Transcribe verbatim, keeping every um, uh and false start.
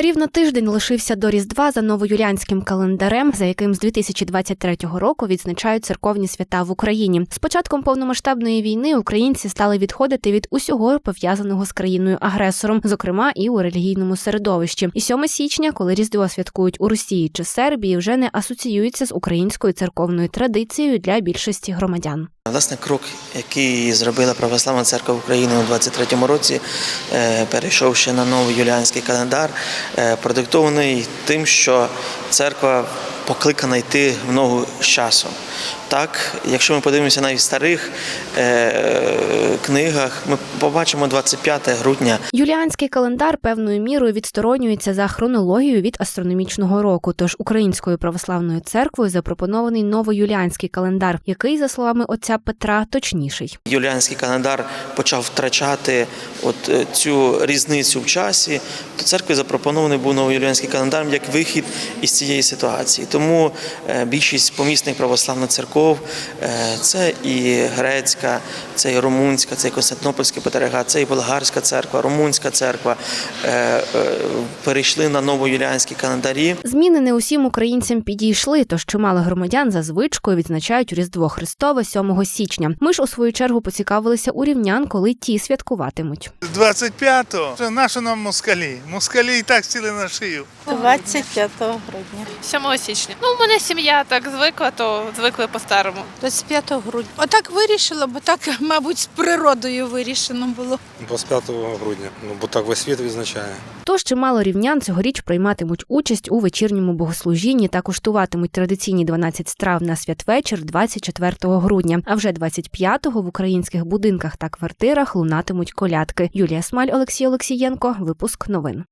Рівно тиждень лишився до Різдва за новоюліанським календарем, за яким з дві тисячі двадцять третього року відзначають церковні свята в Україні. З початком повномасштабної війни українці стали відходити від усього пов'язаного з країною-агресором, зокрема і у релігійному середовищі. І сьомого січня, коли Різдво святкують у Росії чи Сербії, вже не асоціюється з українською церковною традицією для більшості громадян. Власне, крок, який зробила Православна Церква України у двадцять третьому році, перейшовши на новий юліанський календар, продиктований тим, що церква покликана йти в ногу з часом. Так, якщо ми подивимося навіть в старих е, книгах, ми побачимо двадцять п'яте грудня. Юліанський календар певною мірою відсторонюється за хронологією від астрономічного року, тож Українською православною церквою запропонований новоюліанський календар, який, за словами отця Петра, точніший. Юліанський календар почав втрачати от цю різницю в часі, то церкві запропонований був новоюліанський календар як вихід із цієї ситуації. Тому більшість помісних православних церков – це і грецька, це і румунська, це і Константинопольський патріархат, це і болгарська церква, румунська церква – перейшли на новоюліанські календарі. Зміни не усім українцям підійшли, тож чимало громадян за звичкою відзначають Різдво Христове сьомого січня. Ми ж у свою чергу поцікавилися у рівнян, коли ті святкуватимуть. двадцять п'ятого – наші нам москалі. Москалі і так сіли на шию. двадцять п'ятого грудня. сьомого січня. Ну, у мене сім'я так звикла, то звикли по-старому. двадцять п'ятого грудня. Отак вирішила, бо так, мабуть, з природою вирішено було. двадцять п'ятого грудня, ну, бо так весь світ відзначає. Тож чимало рівнян цьогоріч прийматимуть участь у вечірньому богослужінні та куштуватимуть традиційні дванадцять страв на святвечір двадцять четвертого грудня. А вже двадцять п'ятого в українських будинках та квартирах лунатимуть колядки. Юлія Смаль, Олексій Олексієнко. Випуск новин.